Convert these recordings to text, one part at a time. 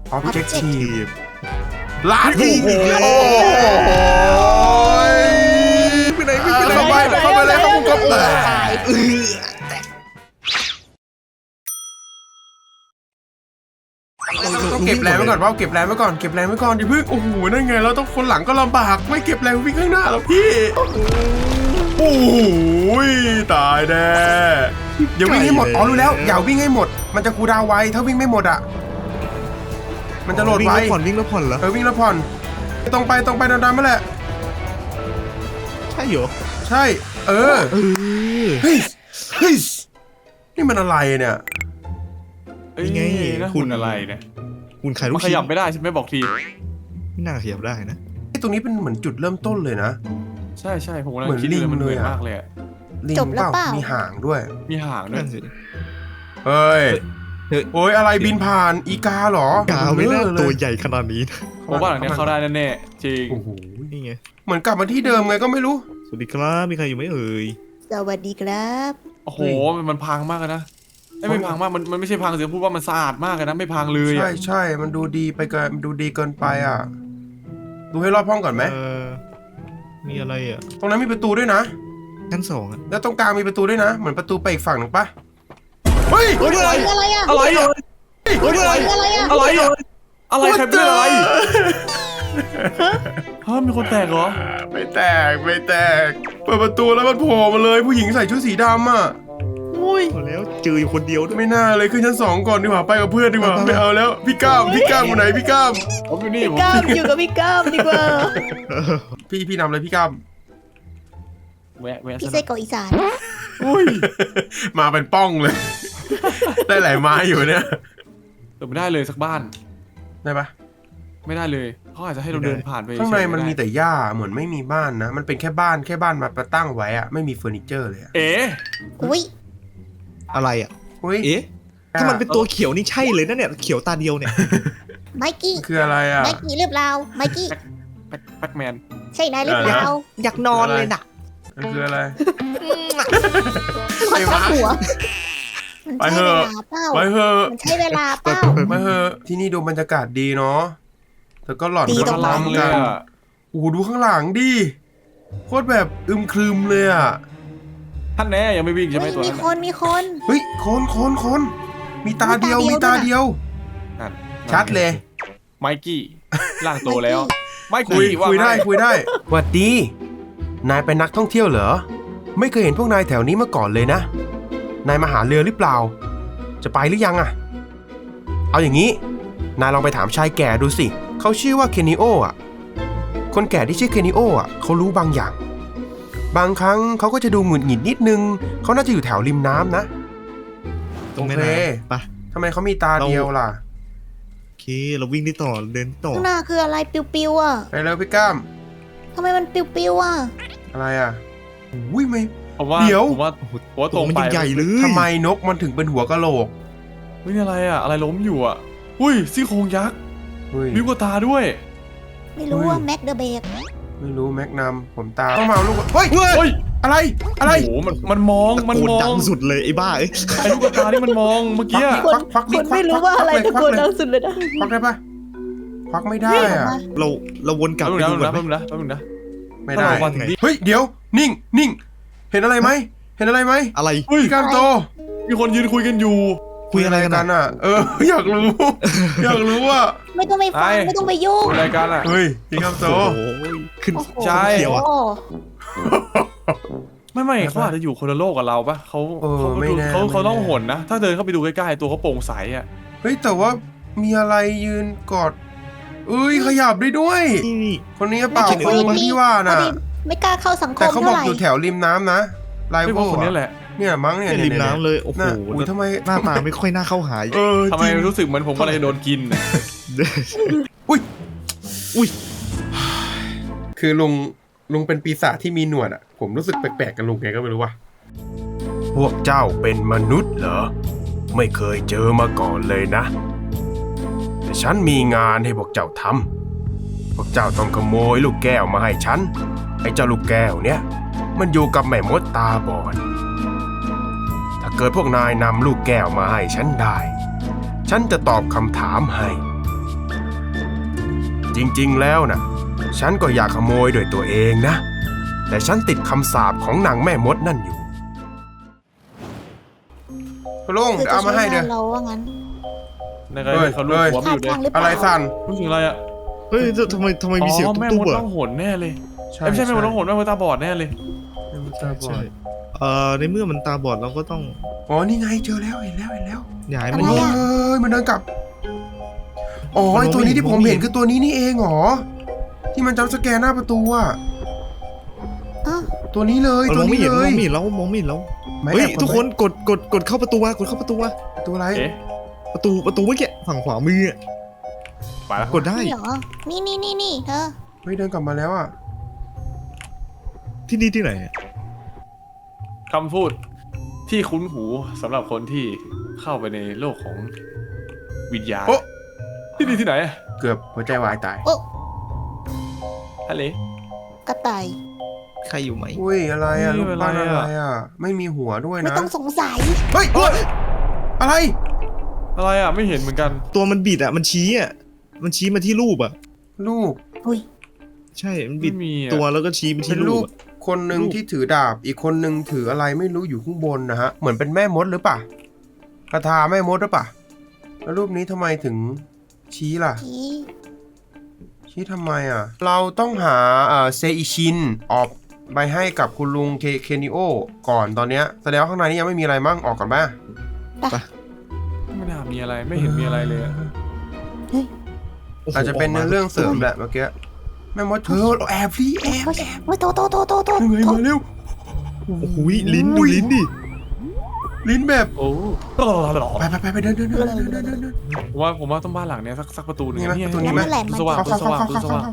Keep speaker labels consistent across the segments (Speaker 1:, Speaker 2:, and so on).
Speaker 1: Objective
Speaker 2: ลาดอีกแล้วโอ้ยไปไหนเข้าไปเลยเข้ามุมกบต้องเก็บแรงไว้ก่อนว่าเก็บแรงไว้ก่อนอย่าเพิ่งโอ้โหนั่นไงเราต้องคนหลังก็ลำบากไม่เก็บแรงวิ่งข้างหน้าแล้วพี่โอ้โหตายแน่อย่าวิ่งให้หมดรู้แล้วอย่าวิ่งให้หมดมันจะคูลดาวน์ไว้ถ้าวิ่งไม่หมดอ่ะมันจะโหลดไว้
Speaker 1: วิ่งแล้วผ่อนเหรอ
Speaker 2: วิ่งแล้วผ่อนตรงไปดันๆมาแหละ
Speaker 1: ใช่เหรอ
Speaker 2: ใช่เฮ้ยนี่มันอะไรเนี่ย
Speaker 1: ยังไง
Speaker 3: คุณอะไรเนี่ย
Speaker 1: คุณขายลูก
Speaker 3: ชิ้นขยับไม่ได้ฉันไม่บอกที
Speaker 1: ไม่น่าขยับได้นะ
Speaker 2: ตรงนี้เป็นเหมือนจุดเริ่มต้นเลยนะ
Speaker 3: ใช่ผมกำลังคิดเลยมันเหมือนมากเลย
Speaker 2: ลิงเปล่ามีหางด้วยเฮ้ยโอ้ยอะไรบินผ่านอีกาหรอก
Speaker 1: าไม่น่าตัวใหญ่ขนาดนี้
Speaker 3: ผมว่าหลังนี้เข้าได้แน่ๆจริง
Speaker 2: โอ้โหนี่ไงเหมือนกลับมาที่เดิมไงก็ไม่รู้
Speaker 1: สวัสดีครับมีใครอยู่ไหมเอ่ย
Speaker 4: สวัสดีครับ
Speaker 3: โอ้โหมันพังมากนะไม่พังมากมันไม่ใช่พังเสียพูดว่ามันสะอาดมากนะไม่พังเลย
Speaker 2: ใช่มันดูดีไปเกินมันดูดีเกินไปอ่ะดูให้รอบห้องก่อนไหม
Speaker 1: มีอะไรอ่ะ
Speaker 2: ตรงนั้นมีประตูด้วยนะ
Speaker 1: ชั้น2อ่ะ
Speaker 2: แล้วตรงกลางมีประตูด้วยนะเหมือนประตูไปอีกฝั่งหนึ่งปะเฮ้ย
Speaker 4: อะไร
Speaker 3: ใครเป็นอะไรฮะมีคนแตกเหรอ
Speaker 2: ไม่แตกเปิดประตูแล้วมันโผล่มาเลยผู้หญิงใส่ชุดสีดำอ่ะ
Speaker 1: แล้วเจออยู่คนเดียวด้วย
Speaker 2: ไม่น่าเลยขึ้นชั้น2ก่อนดีกว่าไปกับเพื่อนดีกว่าไม่เอาแล้วพี่ก้ามอยู่ไหนพี่ก้าม
Speaker 3: ผมอยู่นี่
Speaker 4: พี่ก้ามอยู่กับพี่ก้ามดีกว่า
Speaker 2: พี่นำเลยพี่ก้าม
Speaker 3: แวะ
Speaker 4: พี่ไส้กรอกอีสาน
Speaker 2: มาเป็นป้องเลยได้หลายไม้อยู่เนี่ย
Speaker 3: ไม่ได้เลยสักบ้าน
Speaker 2: ได้ปะ
Speaker 3: ไม่ได้เลยเขาอาจจะให้เราเดินผ่านไป
Speaker 2: ข้างในมันมีแต่หญ้าเหมือนไม่มีบ้านนะมันเป็นแค่บ้านมาตั้งไว้อะไม่มีเฟอร์นิเจอร์เลย
Speaker 4: อุ้ย
Speaker 1: อะไรอ่ะถ้ามันเป็นตัวเขียวนี่ใช่เลยนะเนี่ยเขียวตาเดียวเนี่ย
Speaker 4: ไมกี้
Speaker 2: คืออะไรอ่ะ
Speaker 4: ไมกี้หรือเปล่าไมกี้
Speaker 3: แบ็คแมน
Speaker 4: ใช่นายหรือเปล่า
Speaker 1: อยากนอนเลยน่ะ
Speaker 2: คืออะไร
Speaker 4: ไอ้หมา
Speaker 2: ไปเถอะ
Speaker 4: มันใช้เวลาเปล่า
Speaker 2: ไปเถอะที่นี่ดูบรรยากาศดีเนาะแต่ก็หลอน
Speaker 4: ดีตรงนั้น
Speaker 2: กันโอ้โหดูข้างหลังดิโคตรแบบอึมครึมเลยอ่ะ
Speaker 3: ท่านแน่ยังไม่วิ่งใช่ไหมตัวนั้น
Speaker 4: มีคน
Speaker 2: เฮ้ยคนมีตาเดียวชัดเลย
Speaker 3: ไมกี้ล่างโตแล้วไม่
Speaker 2: คุยได้หวัดดีนายเป็นนักท่องเที่ยวเหรอไม่เคยเห็นพวกนายแถวนี้มาก่อนเลยนะนายมาหาเรือหรือเปล่าจะไปหรือยังอ่ะเอาอย่างนี้นายลองไปถามชายแก่ดูสิเขาชื่อว่าเคนนิโออ่ะคนแก่ที่ชื่อเคนนิโออ่ะเขารู้บางอย่างบางครั้งเขาก็จะดูหงุดหงิดนิดนึงเขาน่าจะอยู่แถวริมน้ำนะ
Speaker 1: ตรงนี้ไป
Speaker 2: ทำไมเขามีตาเดียวล่ะ
Speaker 1: โอเคเราวิ่งได้ต่อเดินต่อ
Speaker 4: ข้างหน้าคืออะไรปิวๆอ่ะ
Speaker 2: ไปแล้วพี่ก้าม
Speaker 4: ทำไมมันปิวๆอ่ะ
Speaker 2: อะไรอ่ะอุ้ยไม่
Speaker 3: เดี๋ยว
Speaker 1: ว่าตรงไปใหญ่เลย
Speaker 2: ทำไมนกมันถึงเป็นหัวกะโหลก
Speaker 3: ไม่อะไรอ่ะอะไรล้มอยู่อ่ะอุ้ยซี่โครงยักษ์มีกว่าตาด้วย
Speaker 4: ไม่รู้ว่าแม็กเดอะเบก
Speaker 2: ไม่รู้แม็กนัมผมตาต้องมาลูกเฮ้ยอะไร
Speaker 3: โอ้มันมอง
Speaker 1: ดังสุดเลยไอ้บ้าไ
Speaker 3: อ้ลูกตาที่มันมองเมื่อกี้
Speaker 2: ควัก
Speaker 4: ไม่รู้ว่าอะไรตะโกนดังสุดเลยนะ
Speaker 2: ควักได้ปะควักไม่ได้อ่ะ
Speaker 1: เราวนกลับไปดู
Speaker 3: นะ
Speaker 2: ไม่ได้เฮ้ยเดี๋ยวนิ่งเห็นอะไรไหม
Speaker 1: อะไร
Speaker 2: พี่ก้ามโต
Speaker 3: มีคนยืนคุยกันอยู่
Speaker 2: คุยอะไรกันอ่ะอยากรู้ว่า
Speaker 4: ไม่ต้องไปฟังไม่ต้องไปยุ่ง
Speaker 3: อะไรกันอ่ะ
Speaker 2: เฮ้ยพี่ก้ามโต
Speaker 1: ขึ้น
Speaker 3: ใช่
Speaker 1: เขียวอ่ะ
Speaker 3: ไม่เขาอาจจะอยู่คนละโลกกับเราปะเขาต้องหนนะถ้าเดินเข้าไปดูใกล้ๆตัวเขาโปร่งใสอ่ะ
Speaker 2: เฮ้ยแต่ว่ามีอะไรยืนกอดขยับได้ด้วยคนนี้เปล่าคนที่ว่าน่ะ
Speaker 4: ไม่กล้าเข้าสังคม
Speaker 2: แต่เขาบอกอยู่แถวริมน้ำนะไลฟ์
Speaker 3: คนนี้แหละ
Speaker 2: เนี่ยมั้งเนี่ย
Speaker 1: ริมน้ำเลยโอ้โห
Speaker 2: ทำไม
Speaker 1: หน้าตาไม่ค่อยน่าเข้าหาย
Speaker 3: ทำไมรู้สึกเหมือนผมอะไรโดนกิน
Speaker 2: อุ้ยคือลุงเป็นปีศาจที่มีหนวดอ่ะผมรู้สึกแปลกๆกับลุงไงก็ไม่รู้ว่ะพวกเจ้าเป็นมนุษย์เหรอไม่เคยเจอมาก่อนเลยนะแต่ฉันมีงานให้พวกเจ้าทำพวกเจ้าต้องขโมยลูกแก้วมาให้ฉันไอ้เจ้าลูกแก้วเนี่ยมันอยู่กับแม่มดตาบอดถ้าเกิดพวกนายนำลูกแก้วมาให้ฉันได้ฉันจะตอบคำถามให้จริงๆแล้วนะฉันก็อยากขโมยด้วยตัวเองนะแต่ฉันติดคำสาปของนางแม่มดนั่นอยู่ลุง
Speaker 4: คือจะ
Speaker 2: เอามาให้เด้อ
Speaker 4: เราว่างั้น
Speaker 3: ในกรณีเขาลูกหัวมัน
Speaker 4: ท่า
Speaker 3: อยู่เลย
Speaker 4: ทางหรือเปล่า
Speaker 2: อะไรสั่น
Speaker 3: รู้สึกอะไรอ่ะ
Speaker 1: เฮ้ยทำไมมีเสียง
Speaker 3: อ๋อแม่
Speaker 1: ตุ๊
Speaker 3: ม
Speaker 1: บ
Speaker 3: ด
Speaker 1: ๆ
Speaker 3: ต้
Speaker 1: อ่ะ
Speaker 3: องหนแน่เลยไม่ใช่แม่มดต้องหนแม่มดตาบอดแน่เลย
Speaker 1: ใช่ในเมื่อมันตาบอดเราก็ต้อง
Speaker 2: อ๋อนี่ไงเจอแล้วเห็นแล้ว
Speaker 1: ย้าย
Speaker 4: อะ
Speaker 1: มัน
Speaker 4: ไร
Speaker 2: เฮ้
Speaker 4: อะ
Speaker 2: ยมันเดินกลับอ๋อไอตัวนี้ที่ผมเห็นคือตัวนี้นี่เองเหรอที่มันจับสแกนหน้าประตูอะ
Speaker 4: อ้าว
Speaker 2: ตัวนี้เลย
Speaker 1: เรา
Speaker 2: ตัว
Speaker 1: มองไม่
Speaker 2: นี้
Speaker 1: เห็น
Speaker 2: เล
Speaker 1: มอย งไม่เห็นแล้วมองไม่เห็นแล้ว
Speaker 2: ไม่
Speaker 1: เฮ้ย
Speaker 2: แอบ
Speaker 1: ทุกคนกดเข้าประตูกดเข้าประตู
Speaker 2: ตัวอะไร
Speaker 3: เอ๊ะ
Speaker 1: ประตูเมื่อกี้ฝั่งขวามืออะ
Speaker 3: ไปแล้ว
Speaker 1: กดได้
Speaker 4: นี่เหรอนี่เธอ
Speaker 2: เฮ้ยเดินกลับมาแล้วอะ
Speaker 1: ที่นี่ที่ไหนอะ
Speaker 3: คำพูดที่คุ้นหูสำหรับคนที่เข้าไปในโลกของวิญญาณ
Speaker 2: โอ้
Speaker 3: ที่นี่ที่ไหนอะ
Speaker 2: เกือบหัวใจวายตาย
Speaker 4: โอ้
Speaker 3: ทะเล
Speaker 4: กระต่าย
Speaker 1: ใครอยู่ไหม
Speaker 2: อุ้ยอะไรอะ
Speaker 3: เฮ้ย
Speaker 2: ลูกปั้น
Speaker 3: อะไร
Speaker 2: อะไร
Speaker 3: อะ
Speaker 2: อะไม่มีหัวด้วย
Speaker 4: ไม่
Speaker 2: นะ
Speaker 4: ต้องสงสัย
Speaker 2: เฮ้ยอะไร
Speaker 3: อะไรอ่ะไม่เห็นเหมือนกัน
Speaker 1: ตัวมันบิดอ่ะมันชี้มาที่รูปอ่ะ
Speaker 2: ลูก
Speaker 4: อุ้ย
Speaker 1: ใช่มันบิด
Speaker 3: ไม่มีอะ
Speaker 1: ตัวแล้วก็ชี้ไป
Speaker 2: เป็
Speaker 1: ที่
Speaker 2: น
Speaker 1: รู
Speaker 2: รู
Speaker 1: ป
Speaker 2: ป
Speaker 1: อะ
Speaker 2: คนหนึ่ง
Speaker 1: รูป
Speaker 2: ที่ถือดาบอีกคนหนึ่งถืออะไรไม่รู้อยู่ข้างบนนะฮะเหมือนเป็นแม่มดหรือเปล่าคาถาแม่มดหรือเปล่าแล้วรูปนี้ทำไมถึงชี้ล่ะ
Speaker 4: พี่
Speaker 2: ทำไมอ่ะ เราต้องหาเซอิชินออกไปให้กับคุณลุงเคนิโอก่อนตอนเนี้ยแสดงว่าข้างในนี้ยังไม่มีอะไรมั่งออกก่อนบ้าง
Speaker 3: ไม่น่ามีอะไรไม่เห็นมีอะไรเลยอะ
Speaker 1: โโห
Speaker 2: อาจจะเป็นเรื่องเสริมแหละเมื่อกี้แม่มดเธอแอบพี่แอบ
Speaker 4: โอ้ยโต
Speaker 2: ยังไงมาเร็ว
Speaker 1: โอ้โหลิ้นดูลิ้นดิ
Speaker 2: ลิ้นแบบ
Speaker 3: โอ้
Speaker 2: ไปเดิน
Speaker 3: ผมว่าต้องบ้านหลังเนี้ยสักประตูหนึง
Speaker 2: นี่ไหม
Speaker 3: เย
Speaker 2: ประตูนี้ไหม
Speaker 3: ประตูสว่าง
Speaker 2: เข้า
Speaker 3: ประตูสว่างประตูสว่าง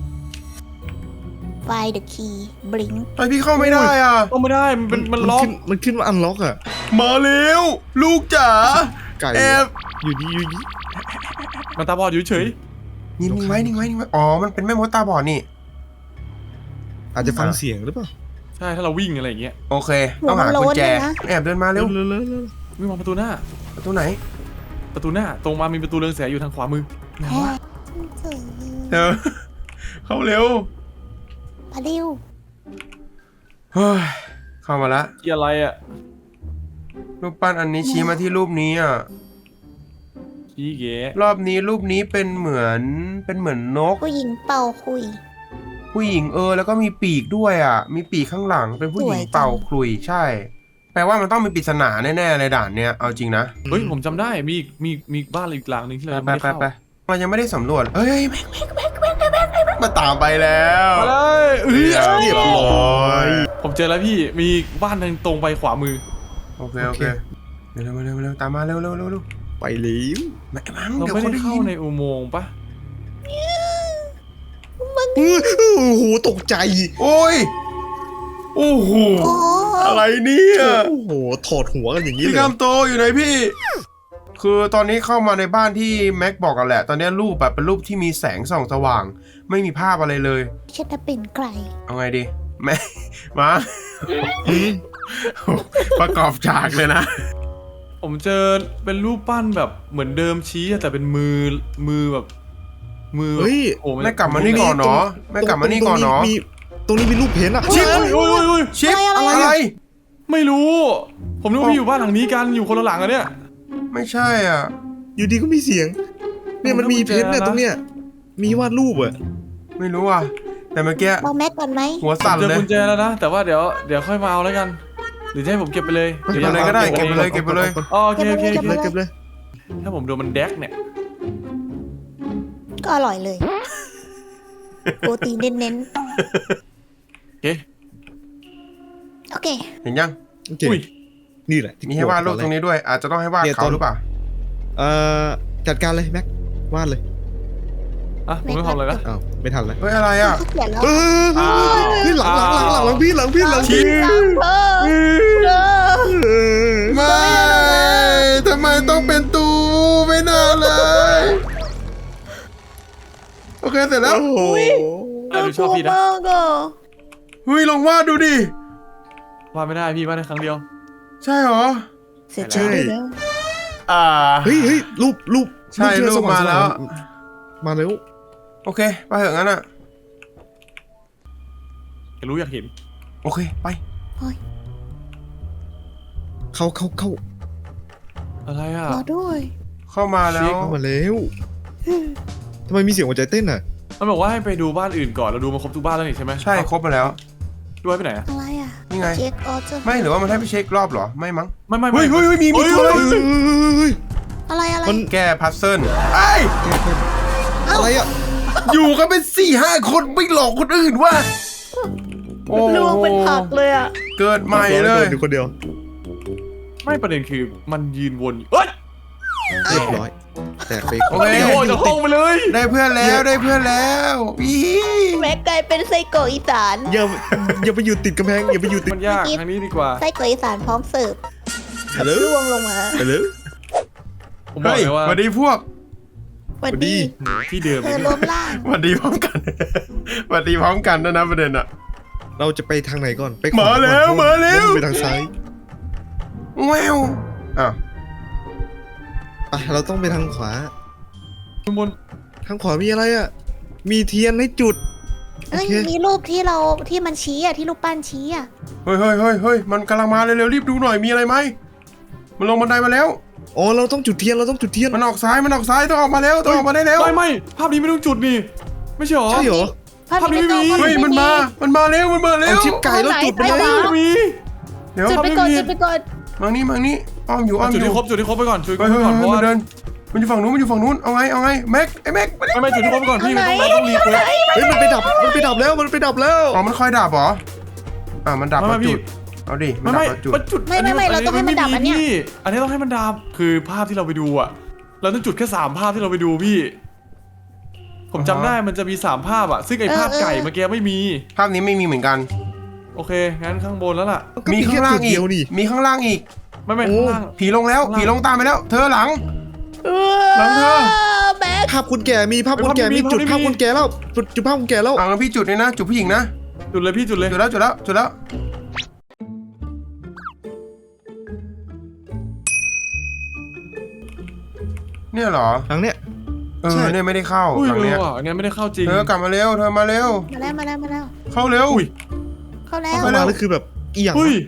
Speaker 4: ไฟเดอะคีย์บลิง
Speaker 2: ไอพี่เข้าไม่ได้อ่ะ
Speaker 3: ก็ไม่ได้มันล็อก
Speaker 1: มันขึ้นว่าอันล็อกอ่ะ
Speaker 2: มาเร็วลูกจ๋า
Speaker 1: ไก่
Speaker 2: แอบ
Speaker 1: อยู่ดี
Speaker 3: มันตาบอดอยู่เฉย
Speaker 2: นิ่งไว้อ๋อมันเป็นแม่มดตาบอดนี่
Speaker 1: อาจจะฟังเสียงหรือเปล่า
Speaker 3: ใช่ถ้าเราวิ่งอะไรอย่างเงี้ย
Speaker 2: โอเคต้องหากุญแจแอบเดินมาเร็ว
Speaker 1: เร็ว
Speaker 3: วิ่งมาประตูหน้า
Speaker 2: ประตูไหน
Speaker 3: ประตูหน้าตรงมามีประตูเรืองแสงอยู่ทางขวามือ
Speaker 2: ไหนวะเธอเข้าเร็ว
Speaker 4: พาดิว
Speaker 2: เฮ้ยเข้ามาละ
Speaker 3: ที่อะไรอ่ะ
Speaker 2: รูปปั้นอันนี้ชี้มาที่รูปนี้อ่ะ
Speaker 3: ชี้เก๋
Speaker 2: รอบนี้รูปนี้เป็นเหมือนนก
Speaker 4: ผู้หญิงเป่าคุย
Speaker 2: ผู้หญิงแล้วก็มีปีกด้วยอ่ะ มีปีกข้างหลังเป็นผู้หญิง
Speaker 4: สวยจัง
Speaker 2: เป่าขลุ่ยใช่ แปลว่ามันต้องมีปริศนาแน่ๆเลยด่านเนี้ยเอาจริงนะ
Speaker 3: เฮ้ยผมจำได้มีบ้านอีกหลังหนึ่งที่เราไม่ได้เข้า
Speaker 2: ไปมันยังไม่ได้สำรวจเอ้ยแม่งมาตามไปแล้ว
Speaker 3: มาเลย
Speaker 2: เรียบร้อย
Speaker 3: ผมเจอแล้วพี่มีบ้านทางตรงไปขวามือ
Speaker 2: โอเคเร็วตามมาเร็ว
Speaker 1: ไปเร็ว
Speaker 2: มั้ง
Speaker 3: เรา
Speaker 2: เดี๋ยว
Speaker 3: ไม่
Speaker 2: เขา
Speaker 3: ได้
Speaker 2: ได้
Speaker 3: เข้า
Speaker 2: ยิน
Speaker 3: ในอุโมงค์ปะ
Speaker 1: โอ้โหตกใจ
Speaker 2: โอ้ยโอ้โห
Speaker 4: โอ้
Speaker 2: อะไรเนี่ย
Speaker 1: โอ้โหถอดหัวกันอย่างนี้
Speaker 2: พี่
Speaker 1: เลย
Speaker 2: กามโตอยู่ไหนพี่ คือตอนนี้เข้ามาในบ้านที่แม็กบอกกันแหละ ตอนนี้รูปแบบเป็นรูปที่มีแสงส่องสว่าง ไม่มีภาพอะไรเลย
Speaker 4: ฉันจะเป็นใคร
Speaker 2: เอาไงดีแม่ มาประกอบฉากเลยนะ
Speaker 3: ผมเจอเป็นรูปปั้นแบบเหมือนเดิมชี้อะแต่เป็นมือแบบมือ
Speaker 1: เฮ้ย
Speaker 3: โอ้
Speaker 2: แม่กลับมานี่ก่อนเนาะแม่กลับมานี่ก่อนเนาะ
Speaker 1: ตรงนี้มีรูปเพ้นท์อ่ะ
Speaker 2: ชิป
Speaker 3: โอ้ย
Speaker 2: ชิป
Speaker 4: อะไร
Speaker 2: อะไร
Speaker 3: ไม่รู้ ผมนึกว่าพี่อยู่บ้านหลังนี้กันอยู่คนละหลังอะเนี่ย
Speaker 2: ไม่ใช่อ่ะ
Speaker 1: อยู่ดีก็มีเสียง เนี่ยมันมีเพ้นท์เนี่ยตรงเนี้ยมีวาดรูปอ่ะ
Speaker 2: ไม่รู้อ่ะ แต่เมื่อกี้
Speaker 4: เราแม็กก่อนไหม
Speaker 2: หัว
Speaker 3: ผม
Speaker 2: สั่น
Speaker 3: เจอ
Speaker 2: เลย
Speaker 3: กุญแจแล้วนะแต่ว่าเดี๋ยวค่อยมาเอาแล้วกัน หรือจะให้ผมเก็บไปเลย
Speaker 2: เก็บไปเลยก็ได้เก็บไปเลยเก็บไปเลย
Speaker 3: อ๋อโอเค
Speaker 1: เก็บเลย
Speaker 3: ถ้าผมโดนมันแดกเนี่ย
Speaker 4: ก็อร่อยเลยโปรตีนเน้น
Speaker 3: โอเค
Speaker 4: ๆโอเค
Speaker 2: เห็นยัง
Speaker 1: โอเค
Speaker 3: อุ้ย
Speaker 1: นี่แหละ
Speaker 2: มีให้วาดรูปตรงนี้ด้วย อาจจะต้องให้วาดเขาหรือเปล่า
Speaker 1: จัดการเลยแม็กวาดเลย
Speaker 3: อ่ะผมไม่ทำอะไรนะ
Speaker 1: อ้าวไม่ทันเลย
Speaker 2: เฮ้ยอะไรอ่ะ
Speaker 4: เขาเขียนแล้ว
Speaker 1: พี่หลังพี่หลัง
Speaker 2: ชิป
Speaker 4: เธอ
Speaker 2: ไม่ทำไมต้องเป็นตูไม่น่าเลย โอเคเสร็จแล้ว
Speaker 1: โอ้โห
Speaker 3: อ่ะดูชอบพี่นะ
Speaker 4: มากอ่ะ
Speaker 2: เฮ้ยลองวาดดูดิ
Speaker 3: วาดไม่ได้พี่วาดได้ครั้งเดียว
Speaker 2: ใช่เหรอ
Speaker 4: เสียใจด้วยแล้ว
Speaker 2: อ่า
Speaker 1: เฮ้ยรูป
Speaker 2: ใช่
Speaker 1: ที่
Speaker 2: รูปมาแล้ว
Speaker 1: มาแล้ว
Speaker 2: โอเคไปเถอะงั้นอ่ะ
Speaker 3: อยากรู้อยากเห็น
Speaker 2: โอเคไป
Speaker 1: เข้า
Speaker 3: อะไรอ่ะ
Speaker 4: รอด้วย
Speaker 2: เข้ามาแล้ว
Speaker 1: เข้ามาแล้วทำไมมีเสียงหัวใจเต้นอ่ะ
Speaker 3: มันบอกว่าให้ไปดูบ้านอื่นก่อนเราดูมาครบทุกบ้านแล้วนี่ใช่ไหม
Speaker 2: ใช่ครบมาแล้ว
Speaker 3: ดูให้ไปไหนอะ
Speaker 4: อะไรอ่ะ
Speaker 2: นี่ไง
Speaker 4: เช็คออเจอร์
Speaker 2: ไม่หรือว่ามันให้ไปเช็ครอบเหรอไม่มั้ง
Speaker 3: ไม่
Speaker 2: เฮ้ยมีตัวอะไร
Speaker 4: อะไร
Speaker 1: มัน
Speaker 2: แก้พัซเซิลไอ้ย
Speaker 1: อะไรอ่ะ
Speaker 2: อยู่กันเป็น4-5 คนไม่หลอกคนอื่นว่ะโอ้โห
Speaker 4: ลวงเป็นผักเลยอ่ะ
Speaker 2: เกิดใหม่เลย
Speaker 1: อยู่คนเดียว
Speaker 3: ไม่ประเด็นคือมันยืนวนอยู่เอ้ย
Speaker 1: เรียบร้อยแตกไป
Speaker 2: โอเค
Speaker 3: โอ้ยจะห้องไปเลย
Speaker 2: ได้เพื่อนแล้วได้เพื่อนแล้วอี
Speaker 4: แม็กกลายเป็นไส้กรอกอีสาน
Speaker 1: อย่าไปอยู่ติดกำแพงอย่าไปอยู่ติด
Speaker 3: มันยากทางนี้ดีกว่า
Speaker 4: ไส้กรอกอีสานพร้อมเสิร์ฟ
Speaker 1: ไปเลย
Speaker 4: ล่วงลงมา
Speaker 1: ไปเลย
Speaker 3: ผมบอก
Speaker 2: เฮ้ย
Speaker 3: เลยว่า
Speaker 2: สวัสดีพวก
Speaker 4: สวัสดี
Speaker 3: ที่เดิม
Speaker 4: เธ
Speaker 3: เล
Speaker 4: อย รวมร่าง
Speaker 2: สวัสดีพร้อมกัน สวัสดีพร้อมกันนะประเด็นอะ
Speaker 1: เราจะไปทางไหนก่อนไป
Speaker 2: มาแล้ว
Speaker 1: ก่อน
Speaker 2: มาแล้ว
Speaker 1: ไปทางซ้าย
Speaker 2: แววอ้าว
Speaker 1: ไปเราต้องไปทางขวา
Speaker 3: ทุกคน
Speaker 1: ทางขวามีอะไรอ่ะมีเทียนให้จุด
Speaker 4: เอ้ย
Speaker 1: โอเค
Speaker 4: มีรูปที่มันชี้อ่ะที่รูปปั้นชี้อ่ะ
Speaker 2: เฮ้ยมันกำลังมาเร็วๆรีบดูหน่อยมีอะไรไหมมันลงบันไดมาแล้ว
Speaker 1: อ๋อเราต้องจุดเทียนเราต้องจุดเทียน
Speaker 2: มันออกซ้ายต้องออกมาแล้วต้องออกมาได้แล้ว
Speaker 3: ไม่ภาพนี้ไม่ต้องจุดนี่ไม่ใช่หรอ
Speaker 1: ใช่เหรอ
Speaker 4: ภาพนี้ไม่ต้อง
Speaker 3: ภาพนี้ไม่มี
Speaker 2: เฮ้ยมันมาแล้ว
Speaker 1: เอาชิปไก่แล้วจุดไป
Speaker 4: ไหน
Speaker 1: เลย
Speaker 3: ไม่มี
Speaker 2: เดี๋ยว
Speaker 4: จุดไปก่อนจุดไปก่อน
Speaker 2: มังนี่อ้อมอยู่
Speaker 3: จุดที่ครบจุดที่ครบไปก่อนจุดที่คร
Speaker 2: เฮ้
Speaker 3: บ
Speaker 2: ย
Speaker 3: ไปก่อนเพราะ
Speaker 2: มั
Speaker 3: ว่าน
Speaker 2: เดินมันอยู่ฝั่งนู้นเอาไงแม็ก
Speaker 3: ไม่จุดที่ครบไปก่อนพี่มันต้องรีเควส
Speaker 1: เฮ้ยมันไปดับแล้วมันไปดับแล้ว
Speaker 2: อ๋อมันคอยดับเหรอมันดับแล้วจุดเอาดิมันดับแล้วจุด
Speaker 3: มันจุด
Speaker 4: ไม่เราต้องให้มันดับอันเนี้ย
Speaker 3: อันนี้ต้องให้มันดับคือภาพที่เราไปดูอ่ะเราต้องจุดแค่3ภาพที่เราไปดูพี่ ผมจำได้มันจะมี3ภาพอ่ะซึ่งไอ้ภาพไก่เมื่อกี้ไม่มี
Speaker 2: ภาพนี้ไม่มีเหมือนกัน
Speaker 3: โอเคงั้นข้างบนแล้วล่ะ
Speaker 1: ก็
Speaker 2: มี
Speaker 1: มี
Speaker 2: ข้า
Speaker 1: แค่
Speaker 2: งล่า
Speaker 1: จุ
Speaker 2: ง
Speaker 1: ด
Speaker 2: อี
Speaker 1: เดี
Speaker 2: ก
Speaker 1: ยวนี่
Speaker 2: มีข้างล่างอีก
Speaker 3: ไม่
Speaker 1: โอ้
Speaker 3: ข้างล่าง
Speaker 2: ผีลงแล้วผีลงตามไปแล้วเธอหลัง หลังเธอ
Speaker 4: แบ็ค
Speaker 1: ภาพคนแก่มีภาพคนแก่มีจุดภาพคนแก่แล้วจุดภาพคนแก่แล้ว
Speaker 2: งั้นพี่จุดเลยนะจุดผู้หญิงนะ
Speaker 3: จุดเลยพี่จุดเลย
Speaker 2: จุดแล้วเนี่ยเหรอ
Speaker 1: ทางเนี้ย ใช่
Speaker 2: เนี่ยไม่ได้เข้า
Speaker 3: อุ้ย
Speaker 2: หลังเนี้ย
Speaker 3: ว่ะงั้นไม่ได้เข้าจริง
Speaker 2: เธอกลับมาเร็วเธอมาเร็ว
Speaker 4: มาแล้ว
Speaker 2: เข้าเร็ว
Speaker 3: อุ้ย
Speaker 4: เข้าแล้
Speaker 1: เข้าว มาแล้วคือแบบอีหยัง
Speaker 3: อุ้ย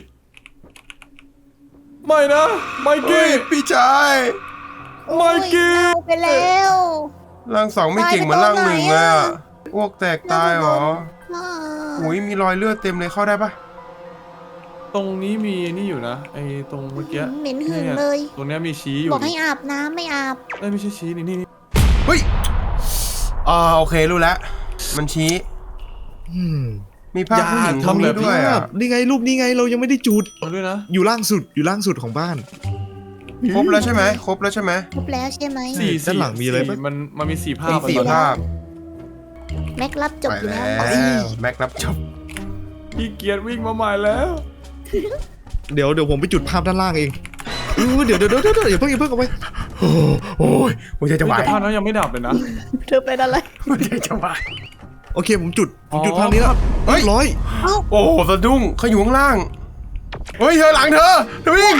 Speaker 3: ไม่นะไม
Speaker 2: เฮ้
Speaker 3: กี้
Speaker 2: ยพี่ชาย
Speaker 3: ไมกี้
Speaker 4: เอาไปแล้ว
Speaker 2: ร่างสองไม่เก่งเหมือนร่างหนึ่งเลยอะอ้วกแตกตายเหรออุ้ยมีรอยเลือดเต็มเลยเข้าได้ปะ
Speaker 3: ตรงนี้มีนี่อยู่นะไอ้ตรงเมื่อกี้
Speaker 4: เหม็นหึงเลย
Speaker 3: ตรงเนี้ยมีชี้อยู่
Speaker 4: บอกให้อาบน้ำไม่อาบ
Speaker 3: ไม่ใช่ชี้นี่
Speaker 2: เฮ้ยโอเครู้แล้วมันชี้
Speaker 1: อืม
Speaker 2: มีภาพผู้หญิงตรงนี้ด้วยอะ
Speaker 1: นี่ไงรูปนี้ไงเรายังไม่ได้จุด
Speaker 3: เอาด้วยนะ
Speaker 1: อยู่ล่างสุดของบ้าน
Speaker 2: ครบแล้วใช่ไหม
Speaker 4: ครบแล้วใช่ไหม
Speaker 1: ด้านหลังมีอะไรปะ
Speaker 3: มันมี4ภาพ
Speaker 2: มี4ภาพ
Speaker 4: แม็กรับจบ
Speaker 2: ไป
Speaker 4: อยู่
Speaker 2: แล้
Speaker 4: แล้ว
Speaker 2: วแม็กรับจบ
Speaker 3: พี่เกียร์วิ่งมาใหม่แล้ว
Speaker 1: เดี๋ยวผมไปจุดภาพด้านล่างเองเดี๋ยวอย่าเพิ่งเอาไป
Speaker 2: โอ้ยหัวใจจะวาย
Speaker 3: แต่ภาพนั้นยังไม่ดับเลยนะ
Speaker 4: เธอเป็นอะไร
Speaker 2: หัวใจจะวาย
Speaker 1: โอเคผมจุดภาพนี้แล้ว
Speaker 2: เฮ้ย
Speaker 1: เรียบร้อย
Speaker 2: โอ้สะดุ้งเขาอยู่ข้างล่างเฮ้ยเธอหลังเธอวิ่ง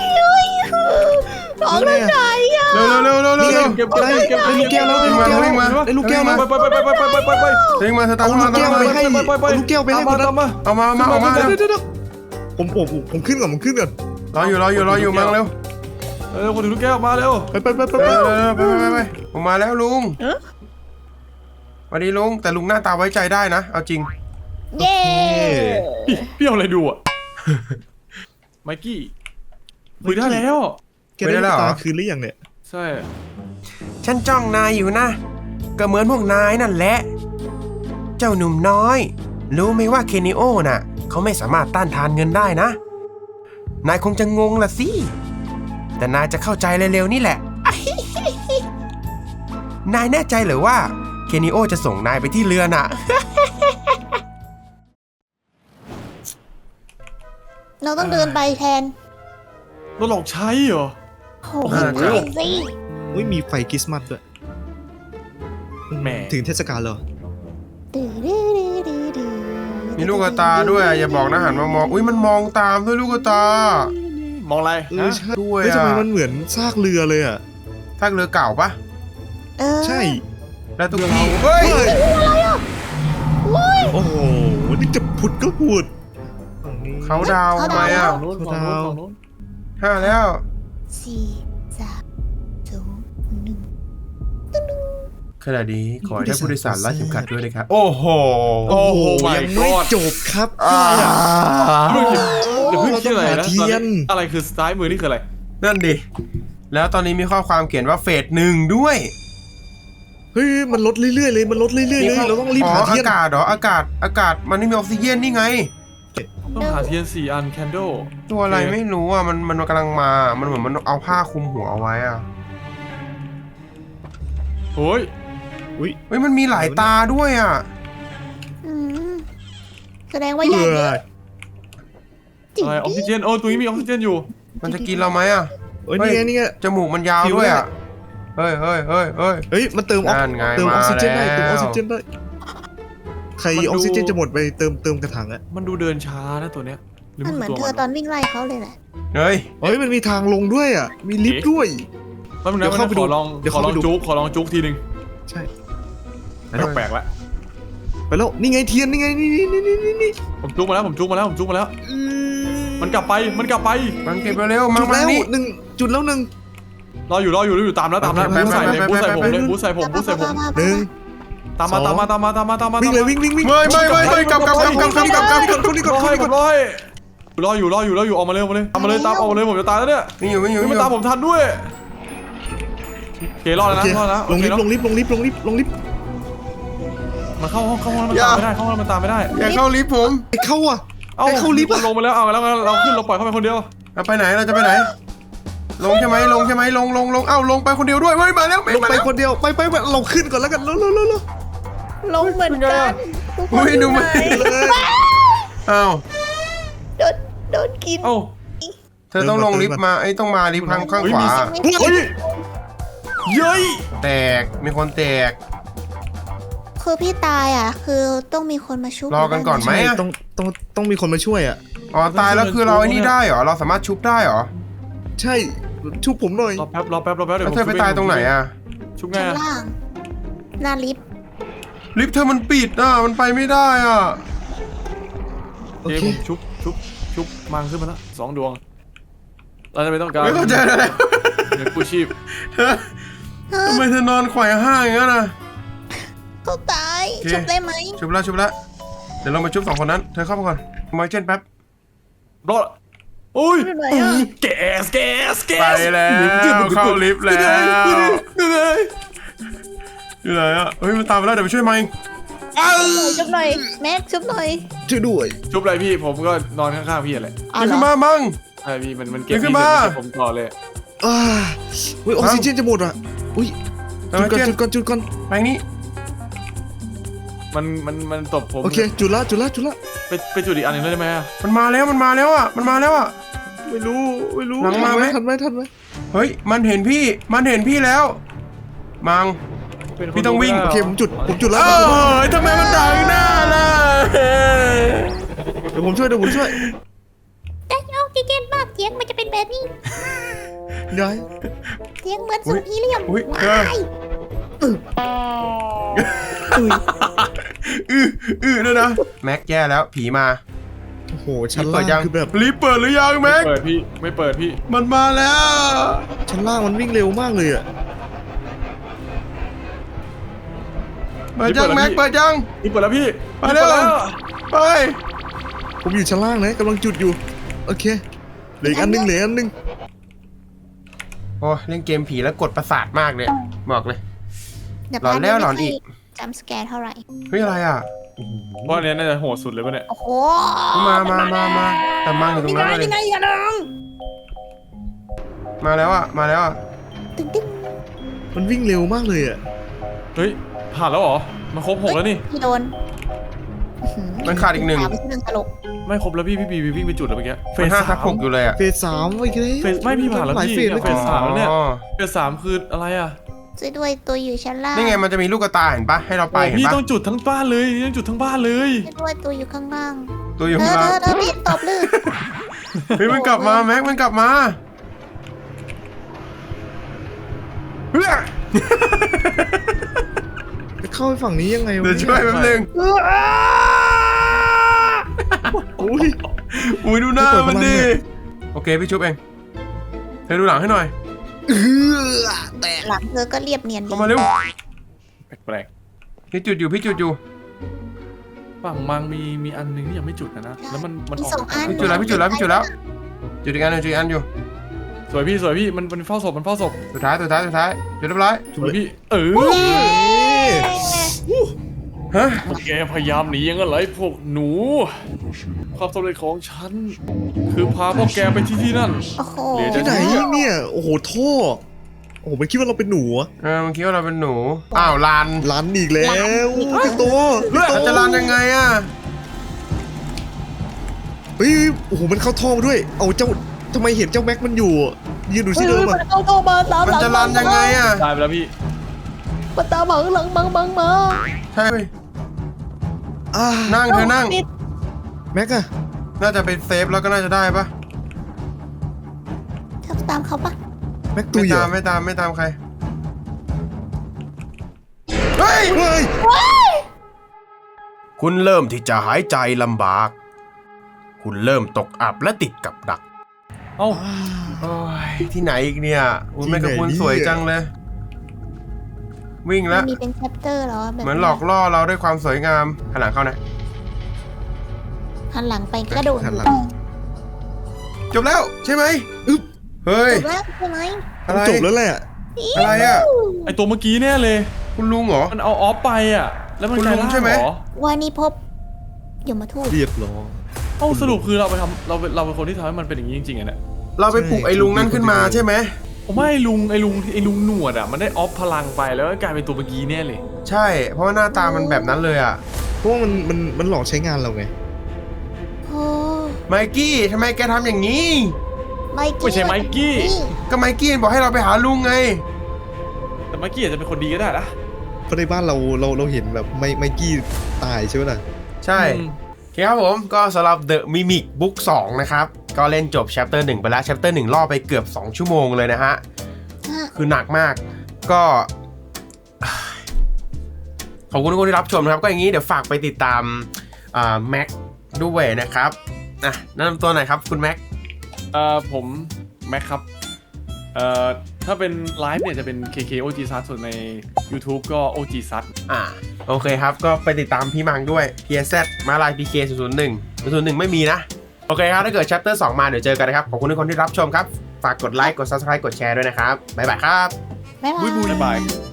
Speaker 4: ออกทางไหนอ่ะ
Speaker 2: เร็ว
Speaker 1: นี่ไง
Speaker 3: เก็บ
Speaker 1: ได้ลูกแก้วแล้วได้ลูกแก้ว
Speaker 2: วิ่งมา
Speaker 1: ได้ลูกแก้วแล้ว
Speaker 3: ไป
Speaker 2: วิ่งมาเธอตาม
Speaker 1: เอาลูกแก้วไปให้เอาลูกแก้วไปให้คนนั้น
Speaker 3: มา
Speaker 2: เอามา
Speaker 1: เดี๋ยวผมขึ้นก่อน
Speaker 2: รออยู่มาเร็ว
Speaker 3: คนถือลูกแก้วมาเร็ว
Speaker 1: ไป
Speaker 2: ไปผมมาแล้วลุงสวัสดีลุงแต่ลุงหน้าตาไว้ใจได้นะเอาจริง
Speaker 4: เย้
Speaker 3: พี่เอาอะไรดูอ่ะไมกี้คุยได้แล้ว
Speaker 1: แกได้ลูกตาคืนหรือยังเนี่ย
Speaker 3: ใช่
Speaker 2: ฉันจ้องนายอยู่นะก็เหมือนพวกนายนั่นแหละเจ้าหนุ่มน้อยรู้ไหมว่าเคนิโอน่ะเขาไม่สามารถต้านทานเงินได้นะนายคงจะงงละสิแต่นายจะเข้าใจเร็วๆนี่แหละ นายแน่ใจเหรือว่าเคนิโอจะส่งนายไปที่เรือน่ะ
Speaker 4: เราต้องเดินไปแทน
Speaker 3: เราหลอกใช้เหรอ
Speaker 4: โอ้โหใช่สิ
Speaker 1: อุ้ยมีไฟคริสต์มาสด้วย
Speaker 3: แหม
Speaker 1: ถึงเทศกาลเหรอ
Speaker 2: มีลูกตาด้วยอย่าบอกนะหันมามองอุ้ยมันมองตามด้วยลูกตาม
Speaker 3: องอะไร
Speaker 1: ใช่
Speaker 2: ด้วย
Speaker 1: ทำไมมันเหมือนซากเรือเลยอ่ะ
Speaker 2: ซากเรือเก่าปะ
Speaker 4: เออ
Speaker 1: ใช่
Speaker 2: แล้วทุกที่เฮ้ย
Speaker 1: โอ้โหนี่จะผุดก็ผุดฝั่งนี้
Speaker 2: เขาดาวไหมอ่ะ
Speaker 3: ฝั่งนู้นฝั่งนู้นฝั่งนู้น
Speaker 2: 5 แล้ว
Speaker 4: สี่สามสองหนึ่ง
Speaker 2: ขณะนี้ขอให้ท่านผู้โดยสารรัดเข็มขัดด้วยนะครับโอ้โห
Speaker 1: โอ้โห
Speaker 3: my
Speaker 1: ยังไม่
Speaker 3: god
Speaker 1: จบครับ
Speaker 3: เดี๋ยวเพิ่งคิดอะไร
Speaker 1: เรา
Speaker 3: นะ
Speaker 1: ต้องหาเทียน
Speaker 3: อะไรคือซ้ายมือนี่คืออะไร
Speaker 2: นั่นดิแล้วตอนนี้มีข้อความเขียนว่าเฟส1ด้วย
Speaker 1: เฮ้ยมันลดเรื่อยๆเลยมันลดเรื่อยๆเลยเราต้องรีบหาเทียน
Speaker 2: อากาศเหรออากาศมันไม่มีออกซิเจนนี่ไง
Speaker 3: ต้องหาเทียน4 อันแคนโด
Speaker 2: ตัวอะไรไม่รู้อ่ะมันกำลังมามันเหมือนมันเอาผ้าคลุมหัวเอาไว้อ่ะ
Speaker 3: โอ้ย
Speaker 2: เฮ้ยมันมีหลายตาด้วยอ่ะ
Speaker 4: อืมแสดงว่าใหญ่เยอะจริง
Speaker 3: อะไรออกซิเจนโอ้ตรงนี้มีออกซิเจนอยู่
Speaker 2: มันจะกินเราไหมอ่ะ
Speaker 1: เฮ้ยนี่ไงนี่ไง
Speaker 2: จมูกมันยาวด้วยอ่ะเฮ้ย
Speaker 1: เฮ้ยมันเติมออก
Speaker 2: นั่นไง
Speaker 1: เติมออกซิเจนได้
Speaker 2: มาแล้ว
Speaker 1: เติมออกซิเจนได้ใครออกซิเจนจะหมดไปเติมกระถางอะ
Speaker 3: มันดูเดินช้านะตัวเนี้ยหรือ
Speaker 4: มันเหมือน
Speaker 3: ตัว
Speaker 4: เธอตอนวิ่งไล่เขาเลยแหละ
Speaker 2: เฮ้ย
Speaker 1: เฮ้ยมันมีทางลงด้วยอ่ะมีลิฟต์ด้วย
Speaker 3: แป๊บนึง
Speaker 1: เดี๋
Speaker 3: นะ
Speaker 1: ยวเข้าไปดู
Speaker 3: ขอลอง
Speaker 1: เดี๋ยว
Speaker 3: ขอ
Speaker 1: เข้า
Speaker 3: ล
Speaker 1: ไป
Speaker 3: อง
Speaker 1: ดู
Speaker 3: ขอลองจุ๊กทีนึง
Speaker 1: ใช่
Speaker 3: แปลกละ
Speaker 1: ไปแล้วนี่ไงเทียนนี่ไงนี่
Speaker 3: ผมจุ๊กมาแล้วมันกลับไป
Speaker 2: มันเก็บเร็วๆมา
Speaker 1: จุดแล้ว
Speaker 2: นี่
Speaker 1: หนึ่งจุดแล้วหนึ่ง
Speaker 3: รออยู่ตามแล้ว
Speaker 2: ไป
Speaker 3: บูใส่เลย
Speaker 2: ไป
Speaker 3: บูใส่
Speaker 2: ไป
Speaker 3: ผม
Speaker 2: ไป
Speaker 3: เลยบูใส่ผม
Speaker 1: หนึ่ง
Speaker 3: ตามมา
Speaker 1: วิ่งเลยวิ่ง
Speaker 2: ไม่กลับ
Speaker 1: คนนี้ก่อน
Speaker 3: รออยู่ออกมาเลยตามมาเลยผมจะตายแล้วเนี่ย
Speaker 2: มีอยู่
Speaker 3: ไม่ตามผมทันด้วยโอเครอดแล้ว
Speaker 1: โอเค
Speaker 3: นะรอดแล้ว
Speaker 1: ลงลิฟต์ลงลิฟต์ลงลิฟต์ลงลิฟต์ลงลิฟต์
Speaker 3: มันเข้าห้องมันตามไม่ได้มันตามไม่ได้
Speaker 2: อย่าเข้าลิฟต์ผม
Speaker 1: ไอ้เข้าอ่ะ
Speaker 3: เอ้า
Speaker 1: ไอ้เข้าลิฟต์
Speaker 3: มันลงไปแล้วเอาแล้วเราขึ้นเราปล่อยเข้าไปคนเดียว
Speaker 2: เราไปไหนเราจะไปไหนลงใช่ไหมลงเอ้าลงไปคนเดียวด้วยเฮ้ยมาแล้ว
Speaker 1: ลงไปคนเดียวไปเราขึ้นก่อนแล้วกันเร็ว
Speaker 4: ลงเหมือนกันทุกคน
Speaker 2: อุ้ยดูมัน
Speaker 1: เลย
Speaker 2: อ้าว
Speaker 4: โดนกิน
Speaker 3: เอ้า
Speaker 2: เธอต้องลงลิฟต์มาไอ้ต้องมาลิฟต์ข้างขวา
Speaker 3: เฮ้ยเย้ย
Speaker 2: แตกมีคนแตก
Speaker 4: คือพี่ตายอ่ะ คือต้องมีคนมาชุบ
Speaker 2: รอกันก่อนไหม
Speaker 1: ไม่ต้องมีคนมาช่วยอ่ะ
Speaker 2: อ๋อตายแล้วคือเราไอ้นี่ได้เหรอเราสามารถชุบได้เหรอ
Speaker 1: ใช่ชุบผมหน่อย
Speaker 3: รอแป๊บเดี๋ยว
Speaker 2: แล้วเธอไปตายตรงไหนอ่ะ
Speaker 3: ชุบไง
Speaker 4: ชั้นล่างหน้าลิฟต์
Speaker 2: ลิฟต์เธอมันปิดอ่ะมันไปไม่ได้อ่ะ
Speaker 1: โอ
Speaker 3: เดี๋ยว
Speaker 1: เค
Speaker 3: ผมชุบมังขึ้นมาแล้ว2 ดวงเราจะไม่ต้องการ
Speaker 2: ไม่เข้าใจอะไร
Speaker 3: เดี๋ยวกู้ชีพ
Speaker 2: ทำไมเธอนอนไขว่ห้างอย่างนั้นอ่ะ
Speaker 4: เขาตาย
Speaker 2: โอเค
Speaker 4: ชุบได้ไหม
Speaker 2: ชุบแล้วเดี๋ยวเรามาชุบ2 คนนั้นเธอเข้ามาก่อนมาเช่นแป๊บ
Speaker 3: รอดโอ้ย
Speaker 4: อยู่ไหนอ่ะ
Speaker 3: แกส
Speaker 2: ไปแล้วเข้าลิฟต์แล้วอยู่ไหนอ่ะเฮ้ยมันตามมาแล้วเดี๋ยวไปช่วยมัน
Speaker 4: ชุบหน่อยแม็กชุบหน่อย
Speaker 1: ช่วยด้วย
Speaker 3: ชุบอะไรพี่ผมก็นอนข้างๆพี่อะไร
Speaker 4: อ๋อ
Speaker 2: เดี๋ยว
Speaker 4: เหร
Speaker 2: ขึ้น
Speaker 4: อ
Speaker 2: มามั่ง
Speaker 3: ใช่พี่มันเก็บ
Speaker 2: เดี๋ยวขึ้
Speaker 3: พี่
Speaker 2: นมา
Speaker 3: เก็บผมต่อเลย
Speaker 1: อุ้ยออกซิเจนจะหมดอ่ะอุ้ยจุดก่อน
Speaker 2: ไปนี่
Speaker 3: มันตบผม
Speaker 1: โอเคจุดละ
Speaker 3: ไปจุดอีกอันหนึงได้ไหมอะ
Speaker 2: มันมาแล้วอ่ะ
Speaker 1: ไม่รู้
Speaker 2: หลังมาไหม
Speaker 1: ทันไหม
Speaker 2: เฮ้ยมันเห็นพี่แล้วมัง
Speaker 3: เป็นคน
Speaker 2: พี่ต้องวิ่ง
Speaker 3: ดูได้
Speaker 1: โอเคผมจุดแล้ว
Speaker 2: เออทำไมมันดังหน้าล่ะ
Speaker 1: เดี๋ยวผมช่วย
Speaker 4: แต่ออกซิเจนมากเสียงมันจะเป็นแบบนี้
Speaker 1: ยาย
Speaker 4: เสียงเหมือนสูตรฮีเลียม
Speaker 2: อุ้ย
Speaker 4: ว้าย
Speaker 2: ด้วยนะแม็กแย่แล้วผีมา
Speaker 1: โอ้โหชั้น
Speaker 2: เปิ
Speaker 1: ล่า
Speaker 2: ดยัง
Speaker 1: งคือแบบ
Speaker 2: รีบเปิดหรือยังแม็ก
Speaker 3: ไม่เปิดพี่
Speaker 2: มันมาแล้ว
Speaker 1: ชั้นล่างมันวิ่งเร็วมากเลยอ่ะ
Speaker 2: เปิดยังแม็กเปิดยัง
Speaker 3: นี่เปิดแล้วพี่
Speaker 2: ไปเร็ว ไป
Speaker 1: ผมอยู่ชั้นล่างนะกำลังจุดอยู่โอเคเหลืออีกอันนึง
Speaker 2: โอ้เล่นเกมผีแล้วกดประสาทมากเลยบอกเลย
Speaker 4: เดี๋ยว
Speaker 2: หลอนแล้วหลอนอีก
Speaker 4: จำสแกนเท่าไหร่
Speaker 2: เฮ้ยอะไรอ่ะ
Speaker 3: เพราะอันเนี้ยน่าจะโหดสุดเลยป่ะเนี่ย
Speaker 4: โอ้โห
Speaker 2: มาแต่มังอยู่ตรงนั้นเลย
Speaker 4: ยังไงอะน้อง
Speaker 2: มาแล้วอ่ะ
Speaker 4: ตึ้ง
Speaker 1: มันวิ่งเร็วมากเลยอ่ะ
Speaker 3: เฮ้ยผ่านแล้วเหรอมันครบ6แล้วนี่
Speaker 4: พี่โดน
Speaker 2: มันขาดอีก 1
Speaker 4: ไม่ใช่เรื่องตลก
Speaker 3: ไม่ครบแล้วพี่บีวิ่งไปจุดแล้วเมื่อกี้
Speaker 2: เป็น5/6อยู่เลยอ่ะ
Speaker 1: เฟส 3อีกแล้ว
Speaker 3: เฟสไม่พี่ผ่านแล้ว
Speaker 1: หลาย
Speaker 3: พี่
Speaker 1: เฟสแล้ว
Speaker 3: เฟส 3แล้วเนี่ย
Speaker 2: อ๋อ
Speaker 3: เฟส 3คืออะไรอ่ะ
Speaker 4: ช่วยด้วยตัวอยู่ชั้นล่าง
Speaker 2: นี่ไงมันจะมีลูกกระตายเห็นปะให้เราไปเห็น
Speaker 3: พี่
Speaker 2: ปะ
Speaker 3: ต้องจุดทั้งบ้านเลยต้องจุดทั้งบ้านเลย
Speaker 4: ช่วยด้วยตัวอยู่ข้างล่าง
Speaker 2: ตัวอยู่
Speaker 4: เธ
Speaker 2: ข้าง
Speaker 4: อ
Speaker 2: ล่าง
Speaker 4: เธอพี่ตบลื่น
Speaker 2: เฮ้ยมันกลับมาแม็กมันกลับมา
Speaker 1: เข้าไปฝั่งนี้ยังไงวะ
Speaker 2: เดี๋ยวช่วยแป๊บนึง
Speaker 1: อุ้ย
Speaker 2: อุ้ยดูหน้า
Speaker 1: ไม่เปิด
Speaker 2: มันดิ
Speaker 1: พลังเนี่ย
Speaker 2: โอเคพี่ชุบเองเธอดูหลังให้หน่อย
Speaker 1: แตก
Speaker 4: หลังเธอก็เรียบเนียนดี
Speaker 2: เข้ามาเร็ว
Speaker 3: แปลก
Speaker 2: พี่จุดอยู่พี่จุดอยู่
Speaker 3: ๆฝั่งมังมีอันนึงที่ยังไม่จุดนะแล้วมัน
Speaker 4: มี
Speaker 3: ออก
Speaker 4: สองอัน
Speaker 2: พี่จุดแล้วพี่จุดแล้วพี่จุดแล้วจุดอีกอันหนึ่งจุดอีกอันอยู่
Speaker 3: สวยพี่มันเฝ้าศพ
Speaker 2: สุดท้ายจุดเรียบร้อย
Speaker 3: สวยพี่
Speaker 2: ฮะ
Speaker 3: แกพยายามหนียังไงไรพวกหนู ความสำเร็จของฉันคือพาพวกแกไปที่นั่น
Speaker 4: โอ้โห
Speaker 3: เหลือจะ
Speaker 1: ที่ไหนเนี่ยโอ้โหท่อโอ้โหมันคิดว่าเราเป็นหนูอะ
Speaker 2: มันคิดว่าเราเป็นหนูอ้าวลาน
Speaker 1: ลันอีกแล้วพี่โต
Speaker 2: เราจะลานยังไงอ่ะ
Speaker 1: เฮ้ยโอ้โหมันเข้าท่อมาด้วยเอาเจ้าทำไมเห็นเจ้าแม็กมันอยู่ยืนดูที่เดิม
Speaker 4: มั
Speaker 1: อะ
Speaker 4: นเข้ามาตาม
Speaker 2: มัน
Speaker 4: หลัง
Speaker 2: จะลานยังไงอ่ะ
Speaker 3: ตายไปแล้วพี่
Speaker 4: มันตามหลังบังมา
Speaker 2: ใช่
Speaker 1: อ่า
Speaker 2: นั่งเธอนั่ง
Speaker 4: ติด
Speaker 1: แม็กอะ
Speaker 2: น่าจะเป็นเซฟแล้วก็น่าจะได้ปะ
Speaker 4: เธอตามเขาปะ
Speaker 1: แม็กตุยเหรอ
Speaker 2: ไม่ตามใครเฮ้ย
Speaker 1: เฮ้ย
Speaker 2: คุณเริ่มที่จะหายใจลำบาก คุณเริ่มตกอับและติดกับดัก
Speaker 3: เอ้า
Speaker 2: โอ้ยที่ไหนอีกเนี่ยอุ้ยแม่กับคุณสวยจังเลย วิ่งแล้ว
Speaker 4: มีเป็นแชปเตอร์เหรอแบบ
Speaker 2: เหมือนหลอกล่อเราด้วยความสวยงามหันหลังเข้านะ
Speaker 4: หันหลังไปกระโดด
Speaker 1: หันหลัง
Speaker 2: จบแล้วใช่ไหม
Speaker 1: อึ๊บ
Speaker 2: เฮ้ย
Speaker 4: จบแล้วใช่ไหม
Speaker 2: อะไร
Speaker 1: จบแล้วแหละ
Speaker 2: อะไรอ่ะ
Speaker 3: ไอตัวเมื่อกี้แน่เลย
Speaker 2: คุณลุงเหรอ
Speaker 3: มันเอาออฟไปอ่ะแล้วมัน
Speaker 2: คุณ
Speaker 3: กลาย
Speaker 2: ลุง
Speaker 3: ร่าง
Speaker 2: ใช่ไหม
Speaker 3: เหรอ
Speaker 4: วานิพบยมทูต
Speaker 1: เรียบร้อย
Speaker 3: เอ้าสรุปคือเราเป็นคนที่ทำให้มันเป็นอย่างนี้จริงๆอ่ะเนี่ย
Speaker 2: เราไปปลุกไอ้ลุงนั่นขึ้นมาใช่ไหม
Speaker 3: ผมว่าไอ้ลุงหนวดอ่ะมันได้ออฟพลังไปแล้วก็กลายเป็นตัวเมื่อกี้แน่เลย
Speaker 2: ใช่ เพราะว่าหน้าตามันแบบนั้นเลยอ่ะ
Speaker 1: เพราะว่ามันหลอกใช้งานเราไง
Speaker 4: โอ้
Speaker 2: ไมกี้ทำไมแกทำอย่างนี้
Speaker 3: ไม่ใช่ไมกี้
Speaker 2: ก็ไมกี้บอกให้เราไปหาลุงไง
Speaker 3: แต่ไมกี้อาจจะเป็นคนดีก็ได้นะ
Speaker 1: เพราะในบ้านเราเห็นแบบไมกี้ตายใช่ไหมล่ะ
Speaker 2: ใช่โอเคครับผมก็สำหรับ The Mimic Book 2 นะครับ ก็เล่นจบ Chapter 1 ไปแล้ว Chapter 1 ล่อไปเกือบ 2 ชั่วโมงเลยนะฮะ คือหนักมากก็ ขอบคุณทุกคนที่รับชมนะครับ ก็อย่างนี้เดี๋ยวฝากไปติดตามแม็กด้วยนะครับแนะนำตัวหน่อยครับคุณแม็ก
Speaker 3: ผมแม็กครับถ้าเป็นไลฟ์เนี่ยจะเป็น KK OG Sat ส่วนใน YouTube ก็ OG Sat
Speaker 2: โอเคครับ ก็ไปติดตามพี่มังด้วย PSZ มาลาย PK 001ไม่มีนะ โอเคครับ ถ้าเกิด Chapter 2 มาเดี๋ยวเจอกันนะครับ ขอบคุณทุกคนที่รับชมครับ ฝากกดไลค์ กด Subscribe กดแชร์ด้วยนะครับ บ๊ายบายครับ
Speaker 4: บ๊ายบาย
Speaker 3: บ๊ายบาย